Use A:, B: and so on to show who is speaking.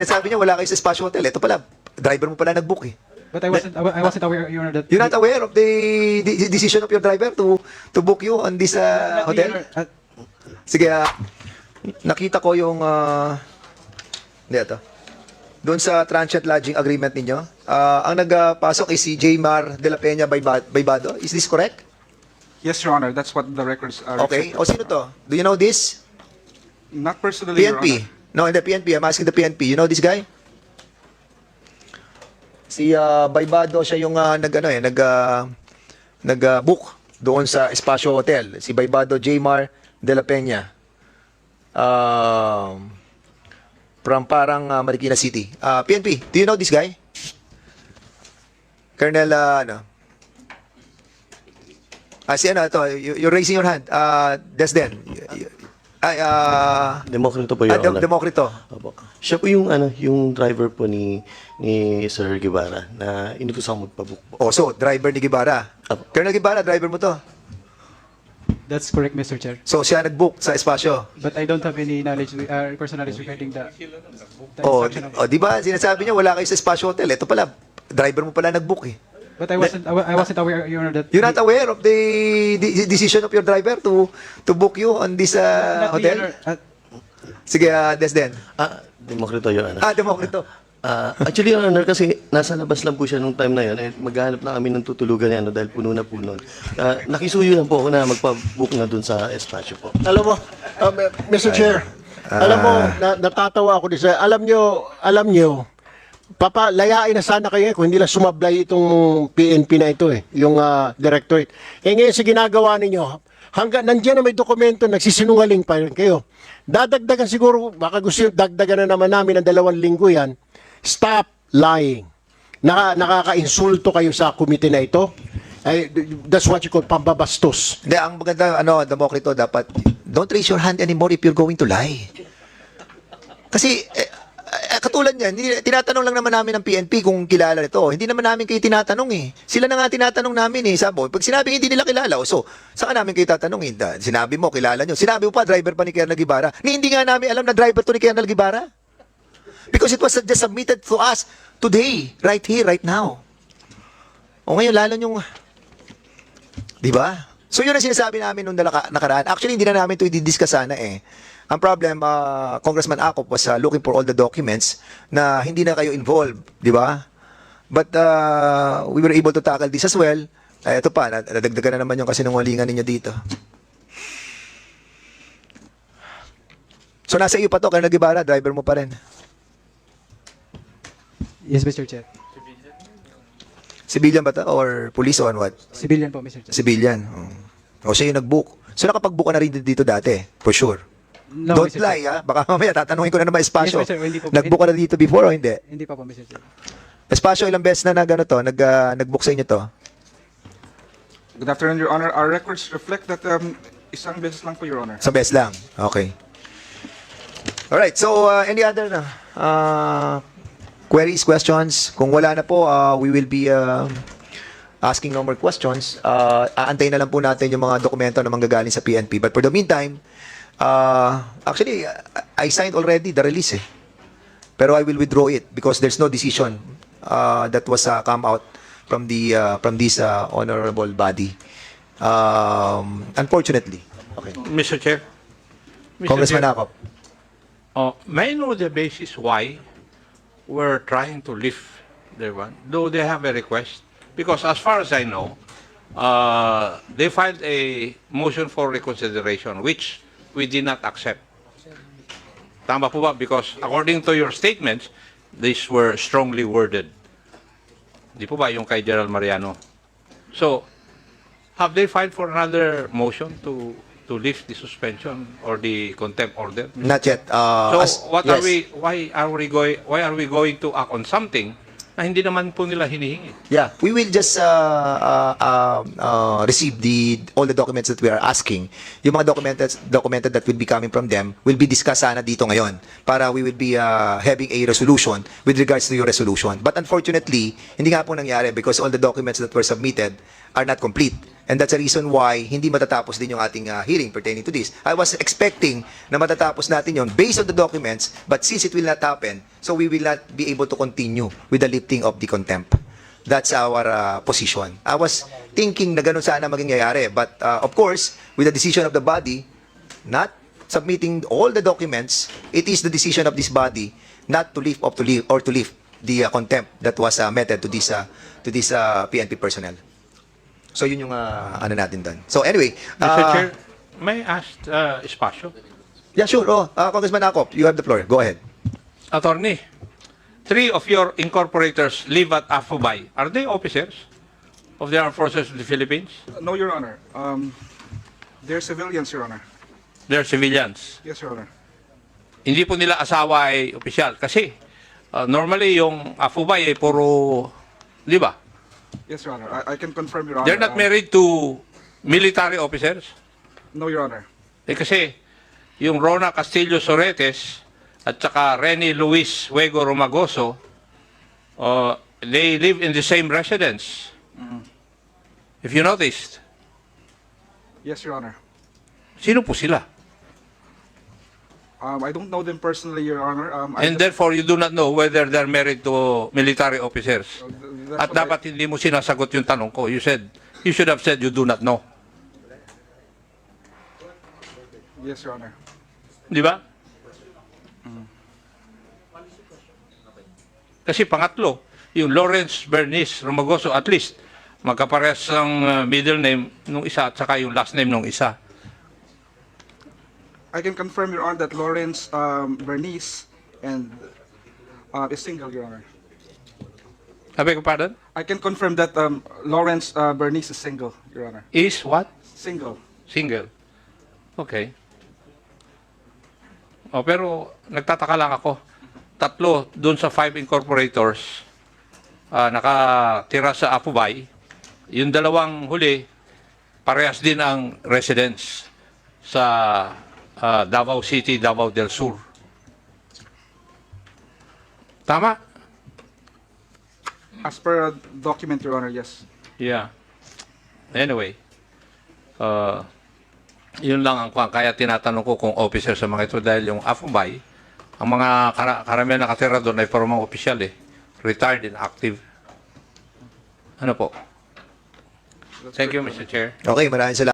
A: Sabi niya, wala kayo sa Espasyo Hotel. Ito pala, driver mo pala nag-book eh.
B: But I wasn't aware, Your Honor, that...
A: You're not aware of the decision of your driver to book you on this hotel? Sige, nakita ko yung... Hindi, ito. Doon sa transient lodging agreement ninyo, ang nagpasok ay si Jmar de la Peña Baybado. Is this correct?
C: Yes, Your Honor. That's what the records are.
A: Okay. O sino to? Do you know this?
C: Not personally, Your
A: PNP.
C: Honor.
A: No, in the PNP. I'm asking the PNP. You know this guy? Si Baybado, siya yung nag-book doon sa Espasyo Hotel. Si Baybado Jmar de la Peña. From parang Marikina City. PNP, do you know this guy? Colonel, si ito, you're raising your hand. Desden.
D: Demokrito po, Your Honor.
A: Demokrito.
D: Opo. Siya po yung yung driver po ni Sir Guevara na inutusan magpabook po.
A: Oh, so, driver ni Guevara.
D: Apo.
A: Colonel Guevara, driver mo to.
B: That's correct, Mr. Chair.
A: So, siya nag-book sa Espasyo.
B: But I don't have any knowledge, personal knowledge regarding the
A: Oh,
B: instruction of...
A: di ba? Sinasabi niya, wala kayo sa Espasyo Hotel. Ito pala, driver mo pala nag-book eh.
B: But I wasn't aware, Your Honor, that...
A: You're not aware of the decision of your driver to book you on this
B: Not the
A: hotel?
B: Honor,
A: Sige, Desden.
D: Demokrito, Your Honor.
A: Demokrito.
D: Actually, Your Honor, kasi nasa labas lang po siya nung time na yun. Maghanap na kami ng tutulugan niya dahil puno na po nun. Nakisuyo lang po ako na magpabook na dun sa espasyo po.
E: Alam mo, Mr. Chair, alam mo, natatawa ako din sa, alam nyo, papalayain na sana kayo kung hindi lang sumablay itong PNP na ito yung directorate. Ngayon sa ginagawa ninyo, hanggang nandiyan na may dokumento, nagsisinungaling pa rin kayo. Dadagdagan siguro, baka gusto yung dagdagan na naman namin ng 2 linggo yan. Stop lying. Nakaka-insulto kayo sa komite na ito. That's what you call pambabastos.
A: Hindi, ang maganda, Demokrito, dapat, don't raise your hand anymore if you're going to lie. Kasi, katulad niyan, tinatanong lang naman namin ng PNP kung kilala nito. Hindi naman namin kayo tinatanong eh. Sila na nga tinatanong namin eh. Sabi, pag sinabi hindi nila kilala, so, saan namin kayo tatanungin? Sinabi mo, kilala nyo. Sinabi mo pa, driver pa ni Colonel Guevara. Hindi nga namin alam na driver to ni Colonel Guevara. Because it was just submitted to us today, right here, right now. O ngayon, lalo yung... Di ba? So yun ang sinasabi namin nung nakaraan. Actually, hindi na namin ito i-discuss sana eh. Ang problem, Congressman Acop was looking for all the documents na hindi na kayo involved, di ba? But we were able to tackle this as well. Ito pa, nadagdagan na naman yung kasinungalingan ninyo dito. So nasa iyo pa to, Colonel Guevara, driver mo pa rin.
B: Yes, Mr. Chair.
A: Civilian ba to? Or police or what?
B: Civilian po, Mr. Chair.
A: Civilian. O siya yung nag-book. So nakapag-book ka na rin dito dati, for sure.
B: No,
A: Don't
B: Mr.
A: lie,
B: Chair.
A: ha? Baka mamaya tatanungin ko na naman espasyo.
B: Yes, Mr. Hindi po.
A: Nag-book ka na dito before o hindi?
B: Hindi pa po, Mr. Chair.
A: Espasyo, ilang beses na nag-book sa inyo to?
C: Good afternoon, Your Honor. Our records reflect that isang beses lang po, Your Honor.
A: Sa beses lang. Okay. Alright, so any other queries, questions? Kung wala na po, we will be asking no more questions. Aantayin na lang po natin yung mga dokumento na manggagaling sa PNP. But for the meantime, actually, I signed already the release eh. Pero I will withdraw it because there's no decision that was come out from this honorable body. Unfortunately. Okay.
F: Mr. Chair.
A: Congressman Acop.
F: May I know the basis why we're trying to lift their one, though they have a request? Because as far as I know, they filed a motion for reconsideration, which we did not accept. Tama po ba? Because according to your statements, these were strongly worded. Di po ba yung kay Gerald Mariano? So, have they filed for another motion to lift the suspension or the contempt order?
A: Not yet.
F: So, what
A: yes.
F: why are we going to act on something na hindi naman po nila hinihingi?
A: Yeah, we will just receive all the documents that we are asking. Yung mga documented that will be coming from them will be discussed sana dito ngayon para we will be having a resolution with regards to your resolution. But unfortunately, hindi nga po nangyari because all the documents that were submitted are not complete. And that's the reason why hindi matatapos din yung ating hearing pertaining to this. I was expecting na matatapos natin yon based on the documents, but since it will not happen, so we will not be able to continue with the lifting of the contempt. That's our position. I was thinking na ganun sana maging nangyayari, but of course, with the decision of the body, not submitting all the documents, it is the decision of this body not to lift the contempt that was meted to this PNP personnel. So yun yung ano natin doon. So anyway,
F: Mr. Chair, may I ask Espacio?
A: yeah, sure. Congressman Acop, you have the floor. Go ahead.
F: Attorney, 3 of your incorporators live at Afubay. Are they officers of the Armed Forces of the Philippines?
C: No, Your Honor. They're civilians, Your Honor.
F: They're civilians.
C: Yes, Your Honor.
F: Hindi po nila asawa ay opisyal. Kasi normally yung Afubay ay puro, di ba?
C: Yes, Your Honor. I can confirm, Your Honor.
F: They're not married to military officers.
C: No, Your Honor.
F: Kasi yung Rona Castillo Soretes at saka Rene Luis Huego Romagoso, they live in the same residence. If you noticed,
C: Yes, Your Honor.
F: sino po sila?
C: I don't know them personally, Your Honor.
F: And therefore, you do not know whether they're married to military officers.
C: that's
F: At
C: what
F: dapat hindi mo sinasagot yung tanong ko. You should have said you do not know.
C: Yes, Your Honor.
F: Di ba? Kasi pangatlo, yung Lawrence Bernice Romagoso, at least, magkaparehas ang middle name nung isa at saka yung last name nung isa.
C: I can confirm, Your Honor, that Lawrence Bernice and is single, Your Honor.
F: I beg your pardon?
C: I can confirm that Lawrence Bernice is single, Your Honor.
F: Is what?
C: Single.
F: Single. Okay. Pero nagtataka lang ako. 3 doon sa 5 incorporators nakatira sa Apubay. Yung 2 huli, parehas din ang residence sa Davao City, Davao del Sur. Tama?
C: As per document, Your Honor, yes.
F: Yeah. Anyway, yun lang ang kaya tinatanong ko kung officer sa mga ito dahil yung Afubay, ang mga karamihan nakatira doon ay para mga opisyal retired and active. Ano po? Thank you, Mr. Chair.
A: Okay, maraming salamat.